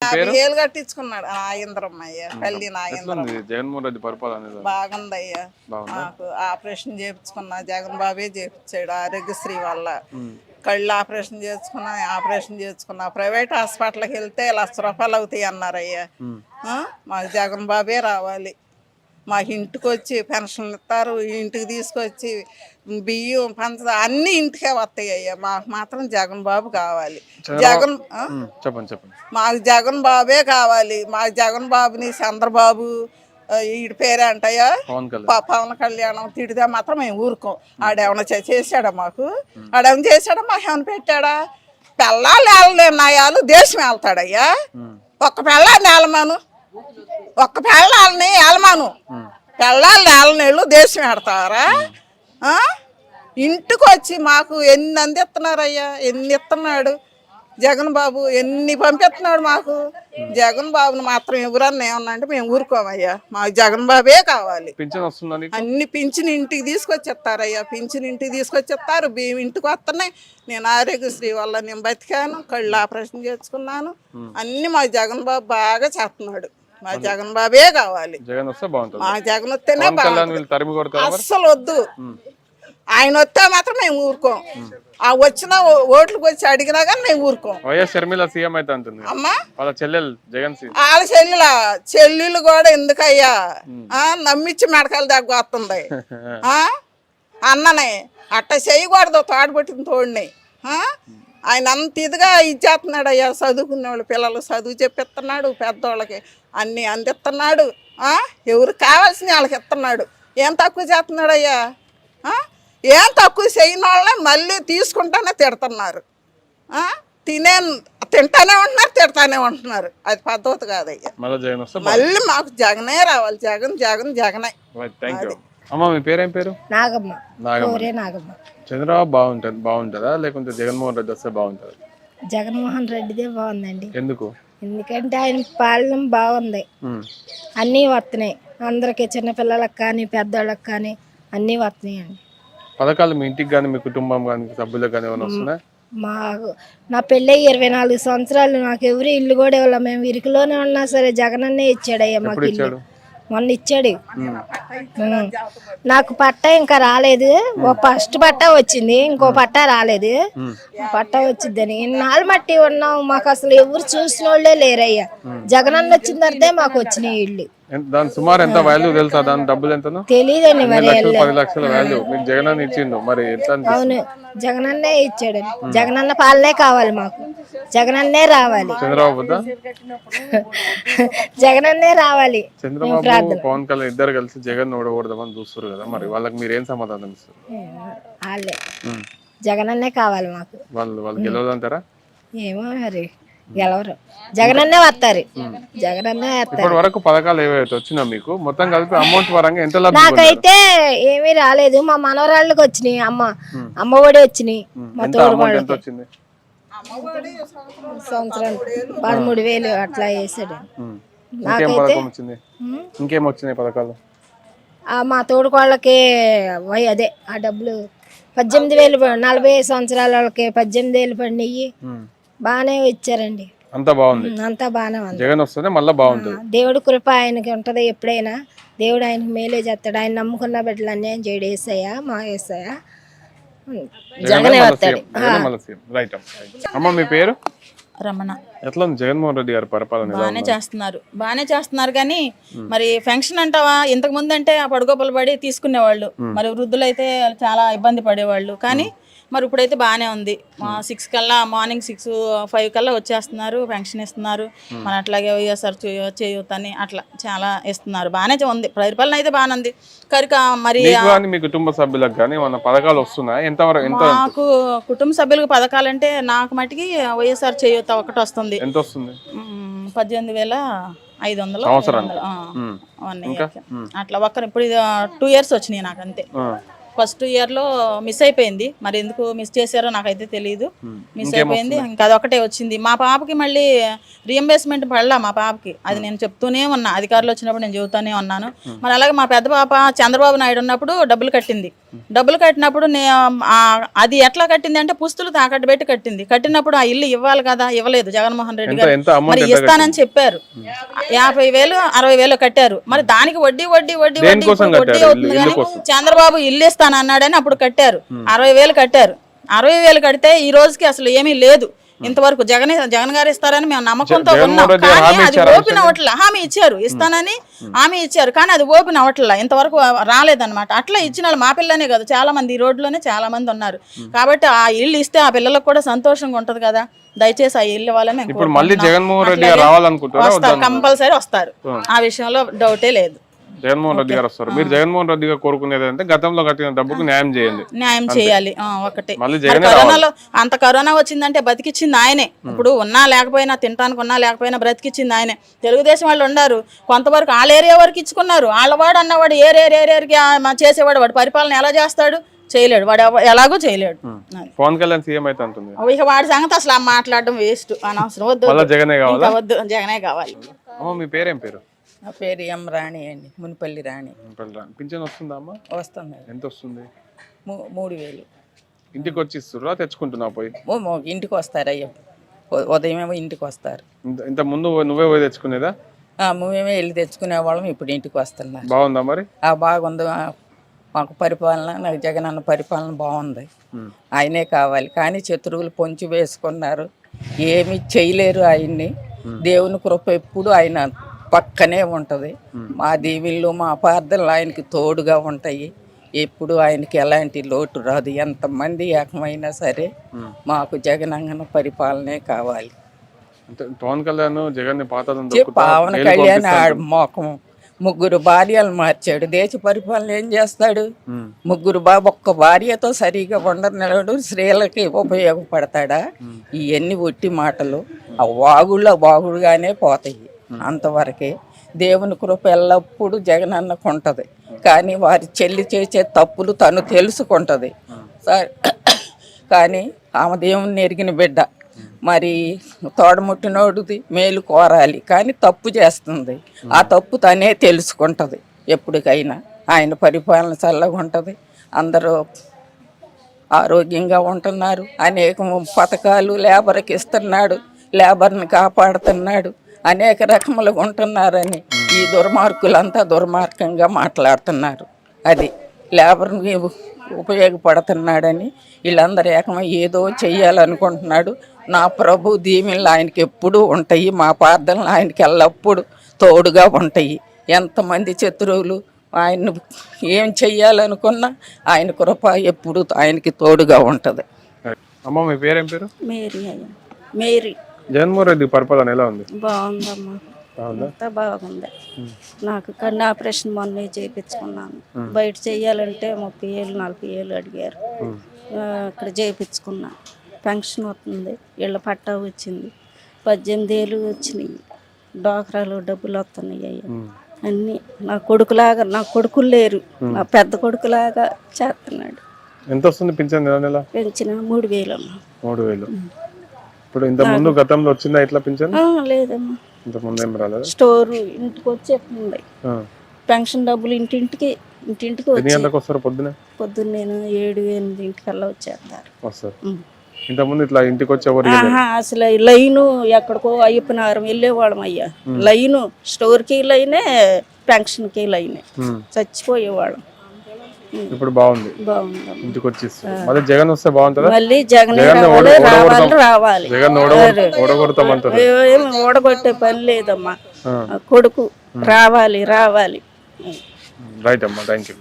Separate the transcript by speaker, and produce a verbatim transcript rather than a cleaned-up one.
Speaker 1: యాభై ఏళ్ళు కట్టించుకున్నాడు నాగేంద్రమ్మయ్య పల్లి నాగేంద్ర.
Speaker 2: జగన్మోహన్ రెడ్డి పరిపాలన
Speaker 1: బాగుందయ్యా. మాకు ఆపరేషన్ చేయించుకున్నా జగన్ బాబే చేయించాడు ఆరోగ్యశ్రీ వల్ల. కళ్ళు ఆపరేషన్ చేసుకున్నా ఆపరేషన్ చేసుకున్నా ప్రైవేట్ హాస్పిటల్కి వెళ్తే లక్ష రూపాయలు అవుతాయి అన్నారయ్యా. మాకు జగన్ బాబే రావాలి. మాకు ఇంటికి వచ్చి పెన్షన్లు ఇస్తారు, ఇంటికి తీసుకొచ్చి బియ్యం పంచ అన్ని ఇంటికే వస్తాయి అయ్యా. మాకు మాత్రం జగన్ బాబు కావాలి. జగన్
Speaker 2: చెప్పండి చెప్పండి
Speaker 1: మాకు జగన్ బాబే కావాలి. మాకు జగన్ బాబుని చంద్రబాబు ఈడి పేరే అంటయ్యా పవన్ కళ్యాణం తిడితే మాత్రం మేము ఊరుకోం. ఆడేమన్నా చేశాడా మాకు? ఆడేమన్నా చేశాడా? మాకు ఏమైనా పెట్టాడా? పెళ్ళాలు ఏళ్ళనాయాలు దేశం వెళ్తాడయ్యా. ఒక్క పెళ్ళాన్ని ఏలమాను, ఒక్క పెళ్ళాలని ఏలమాను, పెళ్ళాలని ఏలనేళ్ళు దేశం పెడతారా? ఇంటికి వచ్చి మాకు ఎన్ని అందిస్తున్నారయ్యా, ఎన్ని ఇస్తున్నాడు జగన్ బాబు, ఎన్ని పంపిస్తున్నాడు మాకు. జగన్ బాబుని మాత్రం ఎవరన్నా ఏమన్నా అంటే మేము ఊరుకోమయ్యా. మాకు జగన్ బాబే కావాలి. అన్ని పింఛన్ ఇంటికి తీసుకొచ్చిస్తారయ్యా. పింఛన్ ఇంటికి తీసుకొచ్చిస్తారు, బియ్యం ఇంటికి వస్తున్నాయి. నేను ఆరోగ్యశ్రీ వల్ల నేను బతికాను, కళ్ళు ఆపరేషన్ చేసుకున్నాను. అన్ని మా జగన్ బాబు బాగా చేస్తున్నాడు. మా జగన్ బాబే కావాలి. మా జగన్ వస్తేనే బాగుంటుంది. అస్సలు వద్దు. ఆయన వస్తే మాత్రం మేము ఊరుకోం. ఆ వచ్చిన ఓట్లకు వచ్చి అడిగినా కానీ మేము ఊరుకోం. అమ్మా వాళ్ళ చెల్లెల చెల్లెలు కూడా ఎందుకయ్యా నమ్మిచ్చి మెడకాయలు దగ్గర వస్తుంది. అన్ననే అట్ట చేయకూడదు. తోడబట్టిన తోడిని ఆయన అంత ఇదిగా ఇచ్చేస్తున్నాడు అయ్యా. చదువుకునే వాళ్ళు పిల్లలు చదువు చెప్పిస్తున్నాడు, పెద్దోళ్ళకి అన్ని అందిస్తున్నాడు. ఎవరు కావాల్సిన వాళ్ళకి ఇస్తున్నాడు. ఏం తక్కువ చేస్తున్నాడు అయ్యా? ఏం తక్కువ చేయని వాళ్ళని మళ్ళీ తీసుకుంటానే తిడుతున్నారు. తినే తింటానే ఉంటున్నారు, తిడతానే ఉంటున్నారు. అది పద్ధతి కాదయ్యా. మళ్ళీ మాకు జగనే రావాలి. జగన్ జగన్ జగనే.
Speaker 2: పేరేం పేరు?
Speaker 3: నాగమ్మ.
Speaker 2: నాగమ్మ. చంద్రబాబు బాగుంటుంది బాగుంటుందా లేకుంటే జగన్మోహన్ రెడ్డి వస్తే బాగుంటుంది?
Speaker 3: జగన్మోహన్ రెడ్డిదే బాగుందండి.
Speaker 2: ఎందుకు?
Speaker 3: ఎందుకంటే ఆయన పాలన బాగుంది. అన్నీ వస్తున్నాయి అందరికి, చిన్నపిల్లలకు కానీ పెద్దోళ్ళకి కానీ అన్నీ వస్తున్నాయి అండి.
Speaker 2: పథకాలు మీ ఇంటికి కానీ మీ కుటుంబం కానీ సభ్యులకు కానీ ఏమైనా వస్తున్నాయి?
Speaker 3: మాకు నా పెళ్ళి ఇరవై నాలుగు సంవత్సరాలు, నాకు ఎవరు ఇల్లు కూడా ఇవ్వాలి. మేము ఇరుకులోనే ఉన్నా సరే జగనన్నే ఇచ్చాడయ్యా మాకు ఇల్లు. మొన్న ఇచ్చాడు. నాకు పట్ట ఇంకా రాలేదు. ఓ ఫస్ట్ పట్ట వచ్చింది, ఇంకో పట్ట రాలేదు. పట్ట వచ్చిద్దని ఇన్నాళ్ళు మట్టి ఉన్నాం. మాకు అసలు ఎవరు చూసిన వాళ్ళే లేరయ్యా. జగనన్న వచ్చిన తర్వాతే మాకు వచ్చినాయి ఇల్లు.
Speaker 2: దాని సుమారు ఎంత వాల్యూ తెలుసా? దాని డబ్బులు ఎంత
Speaker 3: తెలియదండి. మరి
Speaker 2: పది లక్షల వాల్యూ మీకు జగనన్న ఇచ్చిండు. మరి
Speaker 3: అవును, జగనన్నే ఇచ్చాడు. జగనన్న పాలనే కావాలి మాకు. జగనన్నే రావాలి.
Speaker 2: చంద్రబాబు
Speaker 3: జగనన్నే రావాలి.
Speaker 2: చంద్రబాబు పవన్ కళ్యాణ్ ఇద్దరు కలిసి జగన్ ఓడకూడదామని చూస్తారు కదా, మరి వాళ్ళకి మీరు ఏం సమాధానం ఇస్తారు?
Speaker 3: వాళ్ళే జగనన్నే కావాలి మాకు.
Speaker 2: వాళ్ళు వాళ్ళు గెలవదంటారా?
Speaker 3: ఏమో మరి గెలవరు. జగనన్నే వస్తారు. జగనన్నే వస్తారు.
Speaker 2: ఇప్పటి వరకు పథకాలు ఏవైతే వచ్చినా మీకు మొత్తం కలిపి అమౌంట్ పరంగా ఎంత?
Speaker 3: నాకైతే ఏమీ రాలేదు. మా మనవరాళ్ళకి వచ్చినాయి. అమ్మ అమ్మ ఒడి వచ్చినాయి. మా తోడు సంవత్సరం పదమూడు వేలు అట్లా వేసాడు. నాకైతే
Speaker 2: ఇంకేం వచ్చినాయి పథకాలు?
Speaker 3: మా తోడుకోళ్ళకి అదే ఆ డబ్బులు పద్దెనిమిది వేలు నలభై సంవత్సరాల వాళ్ళకి పద్దెనిమిది వేలు పడినాయి. బాగానే ఇచ్చారండి.
Speaker 2: అంతా బాగుంది.
Speaker 3: అంతా బాగానే ఉంది.
Speaker 2: జగన్ వస్తేనే మళ్ళీ బాగుంటుంది.
Speaker 3: దేవుడి కృప ఆయనకి ఉంటది ఎప్పుడైనా. దేవుడు ఆయనకు మేలే చేస్తాడు. ఆయన నమ్ముకున్న బిడ్డలు అన్యాయం చేయడు. వేసాయా మా వేసాయా జగనే వస్తాడు.
Speaker 2: అమ్మ మీ పేరు?
Speaker 4: రమణ.
Speaker 2: ఎట్లా ఉంది జగన్మోహన్ రెడ్డి గారి పరిపాలన?
Speaker 4: బాగానే చేస్తున్నారు బాగానే చేస్తున్నారు కానీ మరి పెన్షన్ అంటావా? ఇంతకు ముందు అంటే ఆ పడుకోపలు పడి తీసుకునేవాళ్ళు. మరి వృద్ధులు అయితే చాలా ఇబ్బంది పడేవాళ్ళు. కానీ మరి ఇప్పుడైతే బాగానే ఉంది. సిక్స్ కల్లా మార్నింగ్ సిక్స్ ఫైవ్ కల్లా వచ్చేస్తున్నారు, పెన్షన్ ఇస్తున్నారు. మన అట్లాగే వైఎస్ఆర్ చేయూత అని అట్లా చాలా ఇస్తున్నారు. బాగానే ఉంది. పరిపాలన అయితే బాగానే ఉంది. కనుక మరి
Speaker 2: మీ కుటుంబ సభ్యులకు కానీ మన పథకాలు వస్తున్నాయి ఎంతవరకు?
Speaker 4: నాకు కుటుంబ సభ్యులకు పథకాలు అంటే నాకు మటుకి వైఎస్ఆర్ చేయూత ఒకటి వస్తుంది.
Speaker 2: ఎంత వస్తుంది?
Speaker 4: పద్దెనిమిది వేల ఐదు వందలు
Speaker 2: సంవత్సరం
Speaker 4: అట్లా ఒక్కరు ఇప్పుడు టూ ఇయర్స్ వచ్చినాయి నాకు అంతే. ఫస్ట్ ఇయర్లో మిస్ అయిపోయింది. మరి ఎందుకు మిస్ చేశారో నాకైతే తెలియదు. మిస్ అయిపోయింది, ఇంకా అదొకటే వచ్చింది. మా పాపకి మళ్ళీ రీఎంబర్స్మెంట్ పడలా మా పాపకి. అది నేను చెప్తూనే ఉన్నా, అధికారులు వచ్చినప్పుడు నేను చెబుతూనే ఉన్నాను. మరి అలాగే మా పెద్ద పాప చంద్రబాబు నాయుడు ఉన్నప్పుడు డబ్బులు కట్టింది. డబ్బులు కట్టినప్పుడు నే అది ఎట్లా కట్టింది అంటే పుస్తులు తాకట్టు పెట్టి కట్టింది. కట్టినప్పుడు ఆ ఇల్లు ఇవ్వాలి కదా, ఇవ్వలేదు జగన్మోహన్ రెడ్డి గారు. మరి ఇస్తానని చెప్పారు, యాభై వేలు అరవై వేలు కట్టారు. మరి దానికి వడ్డీ వడ్డీ వడ్డీ వడ్డీ వడ్డీ అవుతుంది. కానీ చంద్రబాబు ఇల్లు ఇస్తాను అన్నాడని అప్పుడు కట్టారు, అరవై వేలు కట్టారు. అరవై వేలు కడితే ఈ రోజుకి అసలు ఏమీ లేదు. ఇంతవరకు జగన్ జగన్ గారు ఇస్తారని మేము నమ్మకంతో ఉన్నాం. కానీ అది ఓపెన్ అవ్వట్లా. హామీ ఇచ్చారు, ఇస్తానని హామీ ఇచ్చారు, కానీ అది ఓపెన్ అవ్వట్లా, ఇంతవరకు రాలేదన్నమాట. అట్లా ఇచ్చిన వాళ్ళు మా పిల్లనే కాదు, చాలా మంది ఈ రోడ్లోనే చాలా మంది ఉన్నారు. కాబట్టి ఆ ఇల్లు ఇస్తే ఆ పిల్లలకు కూడా సంతోషంగా ఉంటది కదా. దయచేసి ఆ ఇల్లు వాళ్ళని వస్తారు, కంపల్సరీ వస్తారు. ఆ విషయంలో డౌటే లేదు.
Speaker 2: జగన్మోహన్ రెడ్డి గారు వస్తారు. మీరు జగన్మోహన్ రెడ్డి గారు కోరుకునేది అంటే గతంలో కట్టిన డబ్బుకు న్యాయం చేయండి.
Speaker 4: న్యాయం చేయాలి ఒకటే. కరోనాలో అంత కరోనా వచ్చిందంటే బతికిచ్చింది ఆయనే. ఇప్పుడు ఉన్నా లేకపోయినా, తినడానికి ఉన్నా లేకపోయినా బ్రతికిచ్చింది ఆయనే. తెలుగుదేశం వాళ్ళు ఉన్నారు, కొంతవరకు వాళ్ళ ఏరియా వరకు ఇచ్చుకున్నారు. వాళ్ళవాడు అన్నవాడు ఏరియా ఏరియాకి చేసేవాడు, వాడు పరిపాలన ఎలా చేస్తాడు? చేయలేడు, వాడు ఎలాగో చేయలేడు.
Speaker 2: పవన్ కళ్యాణ్ సీఎం అయితే అంటుంది.
Speaker 4: ఇక వాడి సంగతి అసలు మాట్లాడడం వేస్ట్, అనవసరం. వద్దు
Speaker 2: జగనే కావాలి,
Speaker 4: వద్దు జగనే కావాలి.
Speaker 2: మీ పేరేం పేరు?
Speaker 5: నా పేరు ఎం రాణి అండి, మునిపల్లి రాణి.
Speaker 2: పింఛన్ వస్తుందా అమ్మా?
Speaker 5: వస్తుంది.
Speaker 2: ఎంత వస్తుంది?
Speaker 5: మూడు వేలు.
Speaker 2: ఇంటికి వచ్చి ఇస్తురా, తెచ్చుకుంటున్నా పోయి?
Speaker 5: ఇంటికి వస్తారు అయ్యో, ఉదయం ఏమో ఇంటికి వస్తారు.
Speaker 2: ఇంత ముందు నువ్వే పోయి తెచ్చుకునేదా?
Speaker 5: మేమే వెళ్ళి తెచ్చుకునే వాళ్ళం, ఇప్పుడు ఇంటికి వస్తున్నారు.
Speaker 2: బాగుందా మరి?
Speaker 5: ఆ బాగుంది. మాకు పరిపాలన, నాకు జగన్ అన్న పరిపాలన బాగుంది. ఆయనే కావాలి. కానీ శత్రువులు పొంచి వేసుకున్నారు, ఏమి చేయలేరు ఆయన్ని. దేవుని కృప ఎప్పుడు ఆయన పక్కనే ఉంటుంది. మా దీవిళ్ళు మా ప్రార్థనలు ఆయనకి తోడుగా ఉంటాయి. ఎప్పుడు ఆయనకి ఎలాంటి లోటు రాదు. ఎంతమంది ఏకమైనా సరే మాకు జగనన్న పరిపాలనే కావాలి.
Speaker 2: పవన్ కళ్యాణ్ జగన్
Speaker 5: పవన్ కళ్యాణ్ మోకం ముగ్గురు భార్యలు మార్చాడు. దేశ పరిపాలన ఏం చేస్తాడు? ముగ్గురు బాబు ఒక్క భార్యతో సరిగా ఉండరు. స్త్రీలకి ఉపయోగపడతాడా? ఇవన్నీ ఒట్టి మాటలు. ఆ వాగుళ్ళ వాగుడుగానే పోతాయి, అంతవరకే. దేవుని కృప ఎల్లప్పుడూ జగనన్నకు ఉంటుంది. కానీ వారి చెల్లి చేసే తప్పులు తను తెలుసుకుంటుంది. కానీ ఆమె దేవుని ఎరిగిన బిడ్డ, మరి తోడముట్టినోడిది మేలు కోరాలి, కానీ తప్పు చేస్తుంది. ఆ తప్పు తనే తెలుసుకుంటుంది. ఎప్పటికైనా ఆయన పరిపాలన చల్లగా ఉంటుంది. అందరూ ఆరోగ్యంగా ఉంటున్నారు. అనేక పథకాలు లేబర్కి ఇస్తున్నాడు, లేబర్ని కాపాడుతున్నాడు. అనేక రకములుగా ఉంటున్నారని ఈ దుర్మార్గులంతా దుర్మార్గంగా మాట్లాడుతున్నారు. అది లేబర్ని ఉపయోగపడుతున్నాడని వీళ్ళందరూ ఏకమై ఏదో చెయ్యాలనుకుంటున్నాడు. నా ప్రభు దీవెనలు ఆయనకి ఎప్పుడూ ఉంటాయి. మా ప్రార్థనలు ఆయనకి ఎల్లప్పుడూ తోడుగా ఉంటాయి. ఎంతమంది శత్రువులు ఆయన ఏం చెయ్యాలనుకున్నా ఆయన కృప ఎప్పుడు ఆయనకి తోడుగా ఉంటుంది.
Speaker 2: అమ్మ మీ పేరేం పేరు?
Speaker 3: మేరీ. మేరీ.
Speaker 2: జగన్మోహన్ రెడ్డి పరిపాలన ఎలా ఉంది?
Speaker 3: బాగుందమ్మా, అంతా బాగుంది. నాకు కన్ను ఆపరేషన్ మొన్న చేయించుకున్నాను. బయట చెయ్యాలంటే ముప్పై ఏళ్ళు నలభై ఏళ్ళు అడిగారు. అక్కడ చేయించుకున్నా. పెన్షన్ వస్తుంది, ఇళ్ళ పట్టా వచ్చింది, పద్దెనిమిది ఏళ్ళు వచ్చినాయి, డోక్రాలు డబ్బులు వస్తున్నాయి. అయ్యా అన్నీ నా కొడుకులాగా, నా కొడుకులు లేరు, నా పెద్ద కొడుకులాగా చేస్తున్నాడు.
Speaker 2: ఎంత వస్తుంది పింఛన్?
Speaker 3: పెంచిన మూడు వేలు అమ్మా.
Speaker 2: మూడు వేలు. ఇప్పుడు ఇంత ముందు గతంలో వచ్చిందా ఇట్లా పింఛన్?
Speaker 3: లేదమ్మా,
Speaker 2: ఇంత ముందు ఏం రాలేదు.
Speaker 3: స్టోర్ ఇంటికి వచ్చేస్తుంది పెన్షన్ డబ్బులు, ఇంటింటికి ఇంటింటికి
Speaker 2: వస్తారు. పొద్దున
Speaker 3: పొద్దున్న నేను ఏడు ఎనిమిది ఇంటికల్లా వచ్చేస్తారు.
Speaker 2: వస్తారు. ఇంత ముందు ఇట్లా ఇంటికి వచ్చి ఎవరు
Speaker 3: అసలు లైను ఎక్కడికో అయ్యప్పనారం వెళ్ళేవాళ్ళం అయ్యా. లైను స్టోర్కి లైనే, పెన్షన్కి లైనే, చచ్చిపోయేవాళ్ళం.
Speaker 2: ఇప్పుడు బాగుంది, ఇంటికి వచ్చి మళ్ళీ జగన్ వస్తే బాగుంటుంది.
Speaker 3: మళ్ళీ జగన్ రావాలి రావాలి
Speaker 2: జగన్ ఓడగొడతామంటారు.
Speaker 3: ఏమి ఓడగొట్టే పని లేదమ్మా, కొడుకు రావాలి రావాలి.
Speaker 2: రైట్ అమ్మా, థ్యాంక్ యూ.